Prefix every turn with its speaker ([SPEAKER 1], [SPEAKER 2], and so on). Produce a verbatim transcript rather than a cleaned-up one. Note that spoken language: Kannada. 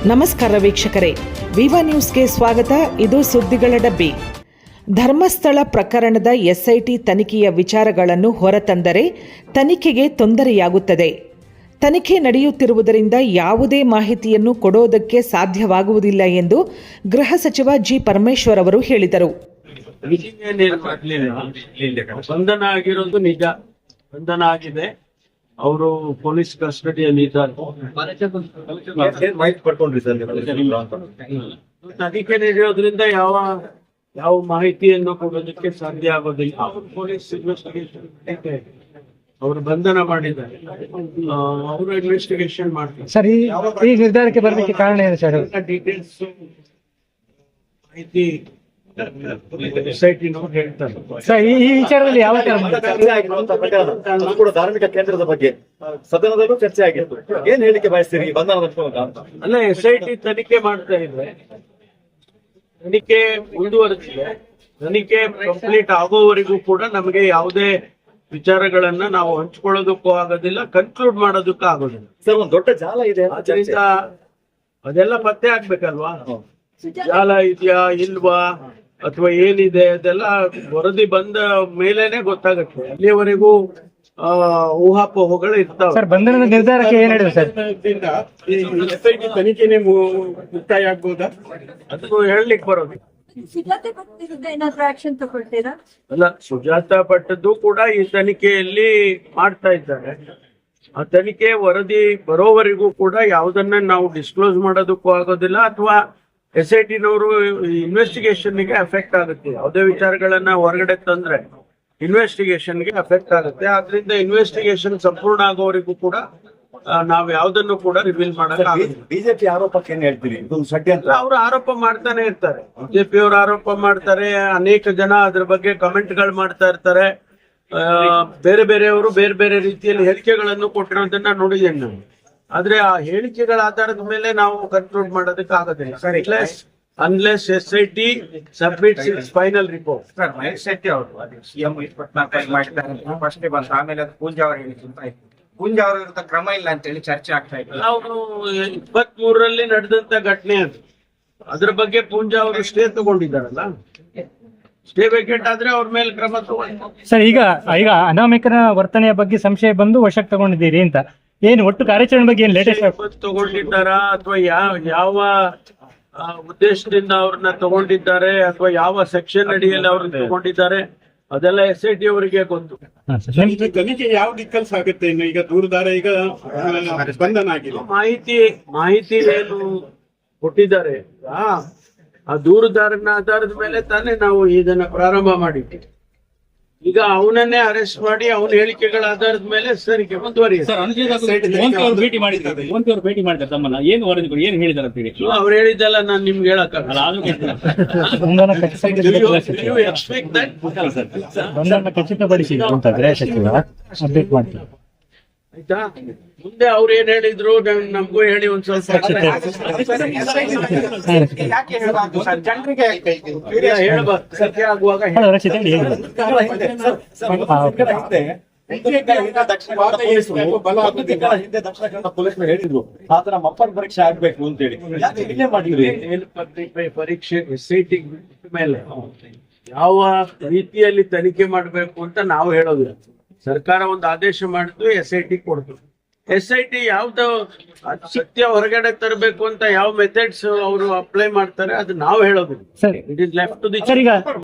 [SPEAKER 1] ನಮಸ್ಕಾರ ವೀಕ್ಷಕರೇ, ವಿವಾ ನ್ಯೂಸ್ಗೆ ಸ್ವಾಗತ. ಇದು ಸುದ್ದಿಗಳ ಡಬ್ಬಿ. ಧರ್ಮಸ್ಥಳ ಪ್ರಕರಣದ ಎಸ್ಐಟಿ ತನಿಖೆಯ ವಿಚಾರಗಳನ್ನು ಹೊರತಂದರೆ ತನಿಖೆಗೆ ತೊಂದರೆಯಾಗುತ್ತದೆ. ತನಿಖೆ ನಡೆಯುತ್ತಿರುವುದರಿಂದ ಯಾವುದೇ ಮಾಹಿತಿಯನ್ನು ಕೊಡೋದಕ್ಕೆ ಸಾಧ್ಯವಾಗುವುದಿಲ್ಲ ಎಂದು ಗೃಹ ಸಚಿವ ಜಿ ಪರಮೇಶ್ವರ್ ಅವರು ಹೇಳಿದರು.
[SPEAKER 2] ಬಂಧನ ಆಗಿರೋದು ನಿಜ, ಬಂಧನ ಆಗಿದೆ. ಅವರು ಪೊಲೀಸ್ ಕಸ್ಟಡಿಯಲ್ಲಿ ಇದ್ದಾರೆ. ತನಿಖೆ ನಡೆಯೋದ್ರಿಂದ ಯಾವ ಯಾವ ಮಾಹಿತಿಯನ್ನು ಕೊಡೋದಕ್ಕೆ ಸಾಧ್ಯ ಆಗೋದಿಲ್ಲ. ಅವರು ಪೊಲೀಸ್ ಇನ್ವೆಸ್ಟಿಗೇಷನ್ ಅವರು ಬಂಧನ ಮಾಡಿದ್ದಾರೆ, ಅವರು ಇನ್ವೆಸ್ಟಿಗೇಷನ್ ಮಾಡ್ತಾರೆ.
[SPEAKER 3] ಸರ್, ಈ ನಿರ್ಧಾರಕ್ಕೆ ಬರಲಿಕ್ಕೆ ಕಾರಣ ಏನು ಸರ್?
[SPEAKER 2] ಡೀಟೇಲ್ಸ್ ಮಾಹಿತಿ ಸೊಸೈಟಿನವರು ಹೇಳ್ತಾರೆ.
[SPEAKER 3] ಸರ್, ಈ ವಿಚಾರದಲ್ಲಿ ಯಾವ
[SPEAKER 4] ಕೂಡ ಧಾರ್ಮಿಕ ಕೇಂದ್ರದ ಬಗ್ಗೆ ಸದನದಲ್ಲೂ ಚರ್ಚೆ ಆಗಿತ್ತು. ಏನ್ ಹೇಳಿಕೆ ಬಯಸ್ತೀರಿ ಬಂಧನದ ಅಂತ?
[SPEAKER 2] ಅಲ್ಲ, ಎಸ್ ಐ ಟಿ ತನಿಖೆ ಮಾಡ್ತಾ ಇದ್ರೆ ತನಿಖೆ ಮುಂದುವರೆದಿದೆ. ತನಿಖೆ ಕಂಪ್ಲೀಟ್ ಆಗೋವರೆಗೂ ಕೂಡ ನಮಗೆ ಯಾವುದೇ ವಿಚಾರಗಳನ್ನ ನಾವು ಹಂಚ್ಕೊಳ್ಳೋದಕ್ಕೂ ಆಗೋದಿಲ್ಲ, ಕನ್ಕ್ಲೂಡ್ ಮಾಡೋದಕ್ಕೂ ಆಗೋದಿಲ್ಲ.
[SPEAKER 4] ಸರ್, ಒಂದ್ ದೊಡ್ಡ ಜಾಲ ಇದೆ,
[SPEAKER 2] ಅದರಿಂದ ಅದೆಲ್ಲ ಪತ್ತೆ ಆಗ್ಬೇಕಲ್ವಾ? ಜಾಲ ಇದೆಯಾ ಇಲ್ವಾ ಅಥವಾ ಏನಿದೆ ಅದೆಲ್ಲ ವರದಿ ಬಂದ ಮೇಲೇನೆ ಗೊತ್ತಾಗುತ್ತೆ. ಅಲ್ಲಿಯವರೆಗೂ ಆ ಊಹಾಪೋಹಗಳು ಇರ್ತಾವೆ.
[SPEAKER 3] ಸರ್, ಬಂಧನದ ನಿರ್ಧಾರಕ್ಕೆ ಏನ್ ಹೇಳಿದ್ರು ಸರ್?
[SPEAKER 2] ತನಿಖೆನೆ ಮುಕ್ತಾಯ ಆಗ್ಬೋದಾ ಅದನ್ನು ಹೇಳಲಿಕ್ಕೆ ಬರೋದು. ಅಲ್ಲ, ಸುಜಾತ ಭಟ್ಟದ್ದು ಕೂಡ ಈ ತನಿಖೆಯಲ್ಲಿ ಮಾಡ್ತಾ ಇದ್ದಾರೆ. ಆ ತನಿಖೆ ವರದಿ ಬರೋವರೆಗೂ ಕೂಡ ಯಾವುದನ್ನ ನಾವು ಡಿಸ್ಕ್ಲೋಸ್ ಮಾಡೋದಕ್ಕೂ ಆಗೋದಿಲ್ಲ, ಅಥವಾ ಎಸ್ ಐ ಟಿನವರು ಇನ್ವೆಸ್ಟಿಗೇಷನ್ಗೆ ಅಫೆಕ್ಟ್ ಆಗುತ್ತೆ. ಯಾವುದೇ ವಿಚಾರಗಳನ್ನ ಹೊರಗಡೆ ತಂದ್ರೆ ಇನ್ವೆಸ್ಟಿಗೇಷನ್ಗೆ ಅಫೆಕ್ಟ್ ಆಗುತ್ತೆ. ಆದ್ರಿಂದ ಇನ್ವೆಸ್ಟಿಗೇಷನ್ ಸಂಪೂರ್ಣ ಆಗೋವರೆಗೂ ಕೂಡ ನಾವು ಯಾವ್ದನ್ನು ಕೂಡ ರಿವೀಲ್ ಮಾಡಕ್
[SPEAKER 4] ಬಿಜೆಪಿ ಆರೋಪಕ್ಕೆ ಏನ್ ಹೇಳ್ತೀರಿ? ಷಡ್ಯಂತ್ರ
[SPEAKER 2] ಅವರು ಆರೋಪ ಮಾಡ್ತಾನೆ ಇರ್ತಾರೆ. ಬಿಜೆಪಿ ಅವರು ಆರೋಪ ಮಾಡ್ತಾರೆ, ಅನೇಕ ಜನ ಅದ್ರ ಬಗ್ಗೆ ಕಮೆಂಟ್ ಗಳು ಮಾಡ್ತಾ ಇರ್ತಾರೆ. ಬೇರೆ ಬೇರೆಯವರು ಬೇರೆ ಬೇರೆ ರೀತಿಯಲ್ಲಿ ಹೇಳಿಕೆಗಳನ್ನು ಕೊಟ್ಟಿರೋದನ್ನ ನೋಡಿದ್ದೇನೆ ನಾವು. ಆದ್ರೆ ಆ ಹೇಳಿಕೆಗಳ ಆಧಾರದ ಮೇಲೆ ನಾವು ಕನ್ಕ್ಲೂಡ್ ಮಾಡೋದಕ್ಕೆ ಆಗೋದಿಲ್ಲ. Unless S I T submits its final report.
[SPEAKER 5] Sir, Mahesh Shetty ಅವರು ಸಿಎಂ ಇಪ್ಪತ್ನಾಲ್ಕು ಮಾಡಿದ್ದಾರೆ, ಫಸ್ಟ್ ಬಂತು. ಆಮೇಲೆ ಅದು ಪೂಂಜಾ ಅವರು ಹೇಳಿ ಪೂಂಜಾ ಅವರ ವಿರುದ್ಧ ಕ್ರಮ ಇಲ್ಲ ಅಂತ ಹೇಳಿ ಚರ್ಚೆ ಆಗ್ತಾ ಇದೆ.
[SPEAKER 2] ಅವರು ಇಪ್ಪತ್ತ್ ಮೂರರಲ್ಲಿ ನಡೆದಂತ ಘಟನೆ ಅದು. ಅದ್ರ ಬಗ್ಗೆ ಪೂಂಜಾ ಅವರು ಸ್ಟೇ ತಗೊಂಡಿದ್ದಾರಲ್ಲ, ಸ್ಟೇ ವೇಕೆಂಟ್ ಆದ್ರೆ ಅವ್ರ ಮೇಲೆ ಕ್ರಮ ತಗೊಂಡು.
[SPEAKER 3] ಸರ್, ಈಗ ಈಗ ಅನಾಮಿಕನ ವರ್ತನೆಯ ಬಗ್ಗೆ ಸಂಶಯ ಬಂದು ವಶಕ್ಕೆ ತಗೊಂಡಿದ್ದೀರಿ ಅಂತ, ಏನು ಒಟ್ಟು ಕಾರ್ಯಾಚರಣೆ ಬಗ್ಗೆ ಏನ್ ಲೇಟೆಸ್ಟ್
[SPEAKER 2] ತಗೊಂಡಿದ್ದಾರಾ ಅಥವಾ ಯಾವ ಯಾವ ಉದ್ದೇಶದಿಂದ ಅವ್ರನ್ನ ತಗೊಂಡಿದ್ದಾರೆ ಅಥವಾ ಯಾವ ಸೆಕ್ಷನ್ ಅಡಿಯಲ್ಲಿ ಅವ್ರನ್ನ ತಗೊಂಡಿದ್ದಾರೆ ಅದೆಲ್ಲ ಎಸ್ ಐ ಟಿ ಅವರಿಗೆ ಗೊತ್ತು.
[SPEAKER 6] ತನಿಖೆ ಯಾವ ದಿಕ್ಕಲ್ಲಿ ಸಾಗುತ್ತೆ? ಇನ್ನು ಈಗ ದೂರದಾರ ಈಗ ಬಂಧನ ಆಗಿದೆ,
[SPEAKER 2] ಮಾಹಿತಿ ಮಾಹಿತಿ ಏನು ಕೊಟ್ಟಿದ್ದಾರೆ ಆ ದೂರುದಾರನ ಆಧಾರದ ಮೇಲೆ ತಾನೇ ನಾವು ಇದನ್ನ ಪ್ರಾರಂಭ ಮಾಡಿದ್ವಿ. ಈಗ ಅವನನ್ನೇ ಅರೆಸ್ಟ್ ಮಾಡಿ ಅವನ ಹೇಳಿಕೆಗಳ ಆಧಾರದ ಮೇಲೆ ತನಿಖೆ ಮುಂದುವರಿಯುತ್ತೆ.
[SPEAKER 7] ಭೇಟಿ ಮಾಡಿದ್ದಾರೆ ಭೇಟಿ ಮಾಡಿದ್ದಾರೆ ತಮ್ಮನ್ನ ಏನು ವರದಿ ಕೊಡಿ, ಏನು ಹೇಳಿದಾರೆ ಅಂತ ಹೇಳಿ
[SPEAKER 2] ಅವ್ರು ಹೇಳಿದ್ದೆಲ್ಲ ನಾನು ನಿಮ್ಗೆ ಹೇಳಕ್ಕಾಗಲ್ಲ.
[SPEAKER 3] ಖಚಿತಪಡಿಸಿ ಅಂತ ಗೃಹ ಸಚಿವ ಅಪ್ಡೇಟ್ ಮಾಡ್ತಾರೆ.
[SPEAKER 2] ಆಯ್ತಾ? ಮುಂದೆ ಅವ್ರು ಏನ್ ಹೇಳಿದ್ರು ನಮಗೂ ಹೇಳಿ ಒಂದ್ ಸ್ವಲ್ಪ ಹೇಳ್ಬಾರ್ದು. ಸತ್ಯ ಆಗುವಾಗ
[SPEAKER 4] ಹೇಳಿದ್ರು ಆತರ ಮಪ್ಪರ್ ಪರೀಕ್ಷೆ ಆಗ್ಬೇಕು ಅಂತ ಹೇಳಿ ಮಾಡಿದ್ರಿ.
[SPEAKER 2] ಪರೀಕ್ಷೆ ಎಸ್ ಐ ಟಿ ಮೇಲೆ ಯಾವ ರೀತಿಯಲ್ಲಿ ತನಿಖೆ ಮಾಡ್ಬೇಕು ಅಂತ ನಾವು ಹೇಳೋದಿಲ್ಲ. ಸರ್ಕಾರ ಒಂದು ಆದೇಶ ಮಾಡಿದ್ದು, ಎಸ್ ಐ ಟಿ ಕೊಡ್ತು. ಎಸ್ ಐ ಟಿ ಯಾವ್ದು ಸತ್ಯ ಹೊರಗಡೆ ತರಬೇಕು ಅಂತ ಯಾವ ಮೆಥಡ್ಸ್ ಅವರು ಅಪ್ಲೈ ಮಾಡ್ತಾರೆ ಅದು ನಾವು ಹೇಳೋದಿಲ್ಲ. It is left to the